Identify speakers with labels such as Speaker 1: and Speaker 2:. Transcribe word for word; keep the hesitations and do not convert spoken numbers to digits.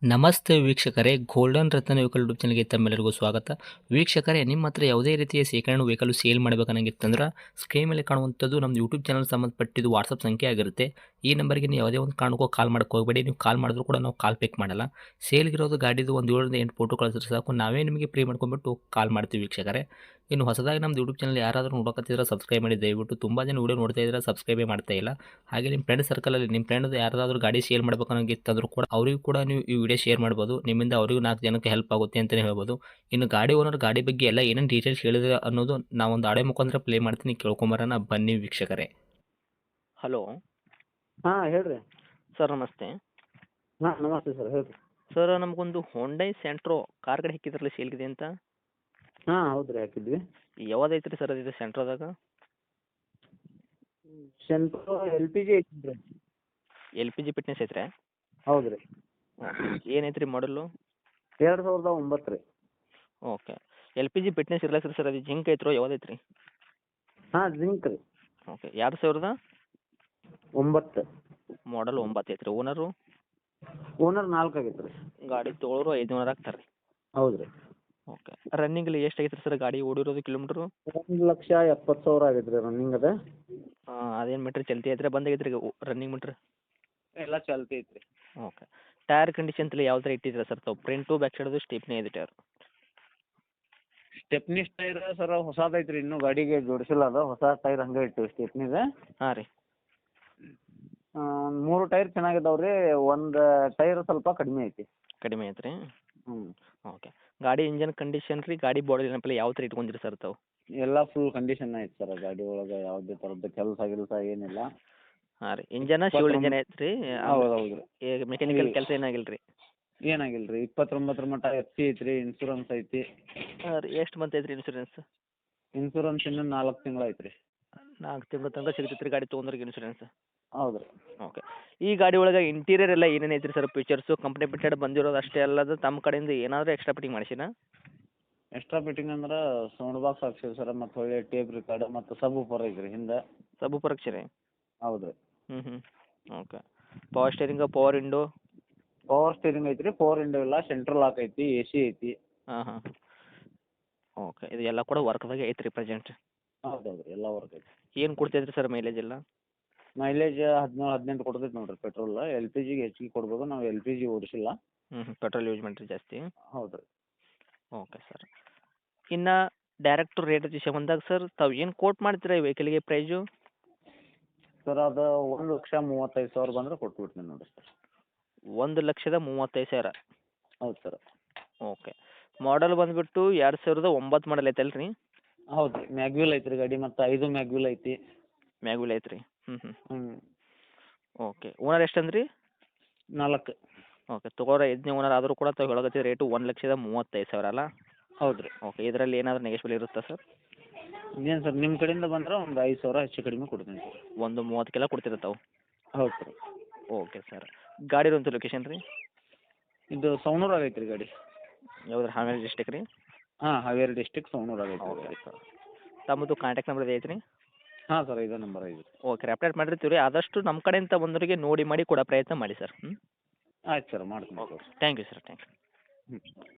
Speaker 1: ನಮಸ್ತೆ ವೀಕ್ಷಕರೇ, ಗೋಲ್ಡನ್ ರತ್ನ vehicle YouTube ಚಾನಲ್ಗೆ ತಮ್ಮೆಲ್ಲರಿಗೂ ಸ್ವಾಗತ. ವೀಕ್ಷಕರೇ, ನಿಮ್ಮ ಹತ್ರ ಯಾವುದೇ ರೀತಿಯ ಶೇಖರಣೆ ವೆಹಿಕಲ್ ಸೇಲ್ ಮಾಡಬೇಕನ್ನಂಗಿತ್ತಂದ್ರೆ ಸ್ಕ್ರೀನ್ ಮೇಲೆ ಕಾಣುವಂಥದ್ದು ನಮ್ಮ ಯೂಟ್ಯೂಬ್ ಚಾನಲ್ ಸಂಬಂಧಪಟ್ಟಿದ್ದು ವಾಟ್ಸಪ್ ಸಂಖ್ಯೆ ಆಗಿರುತ್ತೆ. ಈ ನಂಬರ್ಗೆ ನೀವು ಯಾವುದೇ ಒಂದು ಕಾರಣಕ್ಕೂ ಕಾಲ್ ಮಾಡಕ್ಕೆ ಹೋಗಬೇಡಿ. ನೀವು ಕಾಲ್ ಮಾಡಿದ್ರು ಕೂಡ ನಾವು ಕಾಲ್ ಪಿಕ್ ಮಾಡಲ್ಲ. ಸೇಲ್ಗಿರೋದು ಗಾಡಿದು ಒಂದು ಏಳರಿಂದ ಎಂಟು ಫೋಟೋ ಕಳಿಸಿದ್ರೆ ಸಾಕು, ನಾವೇ ನಿಮಗೆ ಪ್ರೀ ಮಾಡ್ಕೊಂಡ್ಬಿಟ್ಟು ಕಾಲ್ ಮಾಡ್ತೀವಿ ವೀಕ್ಷಕರೇ. ಇನ್ನು ಹೊಸದಾಗಿ ನಮ್ಮದು ಯೂಟ್ಯೂಬ್ ಚಾನಲ್ ಯಾರಾದರೂ ನೋಡೋಕತ್ತಿದ್ರೆ ಸಬ್ಸ್ಕ್ರೈಬ್ ಮಾಡಿ ದಯವಿಟ್ಟು. ತುಂಬ ಜನ ವೀಡಿಯೋ ನೋಡ್ತಾ ಇದ್ದಾರೆ, ಸಬ್ಸ್ಕ್ರೈಬೇ ಮಾಡ್ತಾ ಇಲ್ಲ. ಹಾಗೆ ನಿಮ್ಮ ಫ್ರೆಂಡ್ ಸರ್ಕಲಲ್ಲಿ ನಿಮ್ಮ ಫ್ರೆಂಡ್ ಯಾರಾದರೂ ಗಾಡಿ ಸೇಲ್ ಮಾಡಬೇಕನ್ನೋಂಗಿತ್ತಂದ್ರೂ ಕೂಡ ಅವರಿಗೂ ಕೂಡ ನೀವು ಈ ವಿಡಿಯೋ ಶೇರ್ ಮಾಡ್ಬೋದು. ನಿಮ್ಮಿಂದ ಅವರಿಗೂ ನಾಲ್ಕು ಜನಕ್ಕೆ ಹೆಲ್ಪ್ ಆಗುತ್ತೆ ಅಂತಲೇ ಹೇಳ್ಬೋದು. ಇನ್ನು ಗಾಡಿ ಓನರ್ ಗಾಡಿ ಬಗ್ಗೆ ಎಲ್ಲ ಏನೇನು ಡೀಟೇಲ್ಸ್ ಹೇಳಿದ್ರೆ ಅನ್ನೋದು ನಾವೊಂದು ಆಡೆ ಮುಖಾಂತರ ಪ್ಲೇ ಮಾಡ್ತೀನಿ, ಕೇಳ್ಕೊಂಬರೋಣ ಬನ್ನಿ ವೀಕ್ಷಕರೇ. ಹಲೋ
Speaker 2: ಹಾಂ ಹೇಳ್ರಿ.
Speaker 1: ಸರ್, ನಮಸ್ತೆ.
Speaker 2: ಹಾಂ ನಮಸ್ತೆ ಸರ್, ಹೇಳ್ರಿ.
Speaker 1: ಸರ್, ನಮಗೊಂದು ಹೊಂಡೈ ಸೆಂಟ್ರೋ ಕಾರ್ ಗಾಡಿ ಹಾಕಿದ್ರಲ್ಲ ಸೇಲ್ಗಿದೆ ಅಂತ.
Speaker 2: ಹಾಂ ಹೌದು ರೀ, ಹಾಕಿದ್ವಿ.
Speaker 1: ಯಾವ್ದು ರೀ ಸರ್ ಅದು ಸೆಂಟ್ರೋದಾಗ?
Speaker 2: ಸೆಂಟ್ರೋ ಎಲ್ ಪಿ ಜಿ ಐತಿ ರೀ.
Speaker 1: ಎಲ್ ಪಿ ಜಿ ಫಿಟ್ನೆಸ್ ಐತ್ರಿ?
Speaker 2: ಹೌದು ರೀ.
Speaker 1: ಏನೈತೆ ರೀ ಮಾಡಲು?
Speaker 2: ಎರಡು ಸಾವಿರದ ಒಂಬತ್ತು ರೀ.
Speaker 1: Okay. L P G fitness ಇರ್ಲಕ್ಕ ಸರ್ ಅದು ಜಿಂಕ್ ಐತ್ರೋ ಯಾವ್ದು ಐತ್ರಿ?
Speaker 2: ಹಾಂ ಜಿಂಕ್ ರೀ.
Speaker 1: ಓಕೆ. ಎರಡು ಸಾವಿರದ
Speaker 2: ಒಂಬತ್ತು
Speaker 1: ಮಾಡಲ್ ಒಂಬತ್ತು ಐತ್ರಿ. ಓನರು?
Speaker 2: ಓನರ್ ನಾಲ್ಕು ಆಗೈತೆ ರೀ.
Speaker 1: ಗಾಡಿ ತೊಗೊಳೋರು ಐದುನೂರು ಆಗ್ತಾರೆ ರೀ.
Speaker 2: ಹೌದು ರೀ.
Speaker 1: ಓಕೆ. ರನ್ನಿಂಗಲ್ಲಿ ಎಷ್ಟು ಆಗೈತೆ ರೀ ಸರ್ ಗಾಡಿ ಓಡಿರೋದು ಕಿಲೋಮೀಟ್ರು?
Speaker 2: ಒಂದು ಲಕ್ಷ ಎಪ್ಪತ್ತು ಸಾವಿರ ಆಗೈತೆ ರೀ ರನ್ನಿಂಗ್ ಅದ.
Speaker 1: ಹಾಂ, ಅದೇನು ಮೀಟ್ರ್ ಚಲ್ತಿ ಐತ್ರಿ ಬಂದಾಗೈತೆ ರೀ ರನ್ನಿಂಗ್ ಮೀಟ್ರ್?
Speaker 2: ಎಲ್ಲ ಚಾಲ್ತಿ ಐತೆ ರೀ.
Speaker 1: ಓಕೆ. ಟೈರ್ ಕಂಡೀಷನ್ ತಲೆ ಯಾವ ಥರ ಇಟ್ಟಿದ್ದೀರಾ ಸರ್ ತಾವು? ಫ್ರಂಟು ಬ್ಯಾಕ್ ಸೈಡದು ಸ್ಟೇಪ್ನೇ ಇದೆ ಟೈರ್?
Speaker 2: ಸ್ಟೆಪ್ನಿ ಟೈರ್ ಸರ್ ಹೊಸದು ಐತೆ ರೀ, ಇನ್ನೂ ಗಾಡಿಗೆ ಜೋಡಿಸಿಲ್ಲ ಅದು. ಹೊಸ ಟೈರ್ ಹಂಗೆ ಇಟ್ಟು ಸ್ಟೆಪ್ನಿದೆ.
Speaker 1: ಹಾಂ ರೀ.
Speaker 2: ಮೂರು ಟೈರ್ ಚೆನ್ನಾಗಿದ್ದಾವೆ ರೀ. ಒಂದು ಟೈರ್ ಸ್ವಲ್ಪ ಕಡಿಮೆ ಐತಿ.
Speaker 1: ಕಡಿಮೆ ಐತೆ ರೀ?
Speaker 2: ಹ್ಞೂ.
Speaker 1: ಓಕೆ. ಗಾಡಿ ಇಂಜನ್ ಕಂಡೀಷನ್ ರೀ, ಗಾಡಿ ಬಾಡಿ ಏನಪ್ಪಲ್ಲ ಯಾವ ಥರ ಇಟ್ಕೊಂಡಿರಿ ಸರ್ ತಾವು?
Speaker 2: ಎಲ್ಲ ಫುಲ್ ಕಂಡೀಷನ್ ಐತೆ ಸರ್. ಗಾಡಿ ಒಳಗೆ ಯಾವುದೇ ಥರದ್ದು ಕೆಲಸ ಗಿಲ್ಸ ಏನಿಲ್ಲ.
Speaker 1: ಹಾಂ ರೀ. ಇಂಜನ ಶಿವಲ್ ಇಂಜನ್ ಐತೆ ರೀ?
Speaker 2: ಹೌದು ಹೌದು ರೀ.
Speaker 1: ಈಗ ಮೆಕ್ಯಾನಿಕಲ್ ಕೆಲಸ ಏನಾಗಿಲ್ಲ ರೀ?
Speaker 2: ಏನಾಗಿಲ್ಲ ರೀ. ಇಪ್ಪತ್ತೊಂಬತ್ತರ ಮಟ್ಟ ಎಫ್ ಸಿ ಐತೆ ರೀ. ಇನ್ಸೂರೆನ್ಸ್ ಐತಿ.
Speaker 1: ಹಾಂ ರೀ. ಎಷ್ಟು ಮಂತ್ ಐತೆ ರೀ ಇನ್ಸೂರೆನ್ಸ್?
Speaker 2: ಇನ್ಸೂರೆನ್ಸ್ ಇನ್ನೂ ನಾಲ್ಕು ತಿಂಗಳು ಐತೆ ರೀ.
Speaker 1: ನಾಲ್ಕು ತಿಂಗಳ ತನಕ ಸಿಗ್ತೈತೆ ರೀ ಗಾಡಿ ತೊಗೊಂಡ್ರಿಗೆ ಇನ್ಸೂರೆನ್ಸ್?
Speaker 2: ಹೌದು ರೀ.
Speaker 1: ಓಕೆ. ಈ ಗಾಡಿ ಒಳಗೆ ಇಂಟೀರಿಯರ್ ಎಲ್ಲ ಏನೇನು ಐತೆ ರೀ ಸರ್ ಫೀಚರ್ಸು? ಕಂಪ್ನಿ ಬಿಟ್ಟೆಡ್ ಬಂದಿರೋದು ಅಷ್ಟೇ ಅಲ್ಲದು ತಮ್ಮ ಕಡೆಯಿಂದ ಏನಾದರೂ ಎಕ್ಸ್ಟ್ರಾ ಫಿಟ್ಟಿಂಗ್ ಮಾಡಿಸಿನಾ?
Speaker 2: ಎಕ್ಸ್ಟ್ರಾ ಫಿಟ್ಟಿಂಗ್ ಅಂದ್ರೆ ಸೌಂಡ್ ಬಾಕ್ಸ್ ಹಾಕ್ಸಿವಿ ಸರ್, ಮತ್ತು ಒಳ್ಳೆ ಟೇಪ್ ರಿಕಾರ್ಡ್ ಮತ್ತು ಸಬ್ ಊಪರ್ ಐತೆ ರೀ ಹಿಂದೆ.
Speaker 1: ಸಬ್ ಪರೀಕ್ಷೆ ರೀ?
Speaker 2: ಹೌದು ರೀ.
Speaker 1: ಹ್ಞೂ ಹ್ಞೂ. Okay. Power steering, power window?
Speaker 2: Power steering ಐತೆ ರೀ. ಪವರ್ ವಿಂಡೋ ಇಲ್ಲ. ಸೆಂಟ್ರಲ್ ಲಾಕ್ ಐತಿ. ಎ ಸಿ ಐತಿ.
Speaker 1: ಹಾಂ ಹಾಂ. ಓಕೆ. ಇದು ಎಲ್ಲ ಕೂಡ ವರ್ಕ್ದಾಗೆ ಐತೆ ರೀ ಪ್ರೆಸೆಂಟ್?
Speaker 2: ಹೌದು ಹೌದು ರೀ, ಎಲ್ಲ ವರ್ಕ್ ಐತಿ.
Speaker 1: ಏನು ಕೊಡ್ತೈತೆ ಸರ್ ಮೈಲೇಜ್ ಎಲ್ಲ?
Speaker 2: ಮೈಲೇಜ್ ಹದಿನೇಳು ಹದಿನೆಂಟು ಕೊಡ್ತೈತೆ ನೋಡಿರಿ ಪೆಟ್ರೋಲ್. ಎಲ್ ಪಿ ಜಿಗೆ ಹೆಚ್ಚಿಗೆ ಕೊಡ್ಬೋದು. ನಾವು ಎಲ್ ಪಿ ಜಿ ಓಡಿಸಿಲ್ಲ.
Speaker 1: ಹ್ಞೂ ಹ್ಞೂ. ಪೆಟ್ರೋಲ್ ಯೂಸ್ ಮಾಡಿರಿ ಜಾಸ್ತಿ?
Speaker 2: ಹೌದು ರೀ.
Speaker 1: Okay sir. ಇನ್ನು ಡೈರೆಕ್ಟ್ ರೇಟ್ ವಿಷಯ ಬಂದಾಗ ಸರ್ ತಾವು ಏನು ಕೋಟ್ ಮಾಡ್ತೀರಾ ಈ ವೆಹಿಕಲ್ಗೆ ಪ್ರೈಸು?
Speaker 2: ಸರ್ ಅದು ಒಂದು ಲಕ್ಷ ಮೂವತ್ತೈದು ಸಾವಿರ ಬಂದರೆ ಕೊಟ್ಬಿಡ್ತೀನಿ ನೋಡಿ ಸರ್.
Speaker 1: ಒಂದು ಲಕ್ಷದ ಮೂವತ್ತೈದು ಸಾವಿರ?
Speaker 2: ಹೌದು ಸರ್.
Speaker 1: ಓಕೆ. ಮಾಡಲ್ ಬಂದುಬಿಟ್ಟು ಎರಡು ಸಾವಿರದ ಒಂಬತ್ತು ಮಾಡಲ್ ಐತಲ್ಲ ರೀ?
Speaker 2: ಹೌದು ರೀ. ಮ್ಯಾಗ್ವಿಲ್ ಐತೆ ರೀ ಗಾಡಿ, ಮತ್ತು ಐದು ಮ್ಯಾಗ್ವಿಲ್ ಐತಿ.
Speaker 1: ಮ್ಯಾಗ್ವಿಲ್ ಐತೆ ರೀ? ಹ್ಞೂ ಹ್ಞೂ.
Speaker 2: ಹ್ಞೂ.
Speaker 1: ಓಕೆ. ಓನರ್ ಎಷ್ಟು ಅಂದ್ರಿ?
Speaker 2: ನಾಲ್ಕು.
Speaker 1: ಓಕೆ. ತೊಗೊಳೋರು ಐದನೇ ಓನರ್ ಆದರೂ ಕೂಡ ತಾವು ಹೇಳಕತ್ತಿದ ರೇಟು ಒಂದು ಲಕ್ಷದ ಮೂವತ್ತೈದು ಸಾವಿರ ಅಲ್ಲ?
Speaker 2: ಹೌದು ರೀ.
Speaker 1: ಓಕೆ. ಇದರಲ್ಲಿ ಏನಾದರೂ ನೆಗೆಶ್ಬಲ್ ಇರುತ್ತಾ ಸರ್?
Speaker 2: ಏನು ಸರ್, ನಿಮ್ಮ ಕಡೆಯಿಂದ ಬಂದ್ರೆ ಒಂದು ಐದು ಸಾವಿರ ಹೆಚ್ಚು ಕಡಿಮೆ ಕೊಡ್ತೀನಿ ಸರ್.
Speaker 1: ಒಂದು ಮೂವತ್ತಕ್ಕೆಲ್ಲ ಕೊಡ್ತೀರ ತಾವು?
Speaker 2: ಹೌದು ಸರ್.
Speaker 1: Okay sir. ಗಾಡಿ ಇರುವಂಥ ಲೊಕೇಶನ್ ರೀ?
Speaker 2: ಇದು ಸವಣೂರು ಆಗೈತೆ ರೀ ಗಾಡಿ.
Speaker 1: ಯಾವ್ದು ರೀ? ಹಾವೇರಿ ಡಿಸ್ಟಿಕ್ ರೀ?
Speaker 2: ಹಾಂ, ಹಾವೇರಿ ಡಿಸ್ಟಿಕ್ ಸವಣೂರು ಆಗೈತೆ
Speaker 1: ಓಕೆ
Speaker 2: ಗಾಡಿ.
Speaker 1: ಸರ್. ತಮ್ಮದು ಕಾಂಟ್ಯಾಕ್ಟ್ ನಂಬರ್ ಐತೆ ರೀ?
Speaker 2: ಹಾಂ ಸರ್, ಇದೇ ನಂಬರ್ ಐದು.
Speaker 1: ಓಕೆ ರೀ. ಅಪ್ಡೇಟ್ ಮಾಡಿರ್ತೀವಿ ರೀ. ಆದಷ್ಟು ನಮ್ಮ ಕಡೆಯಿಂದ ಬಂದವರಿಗೆ ನೋಡಿ ಮಾಡಿ ಕೊಡೋ ಪ್ರಯತ್ನ ಮಾಡಿ ಸರ್. ಹ್ಞೂ.
Speaker 2: ಆಯ್ತು ಸರ್, ಮಾಡ್ತೀನಿ.
Speaker 1: Okay. Thank you sir. Thank you.
Speaker 2: ಹ್ಞೂ.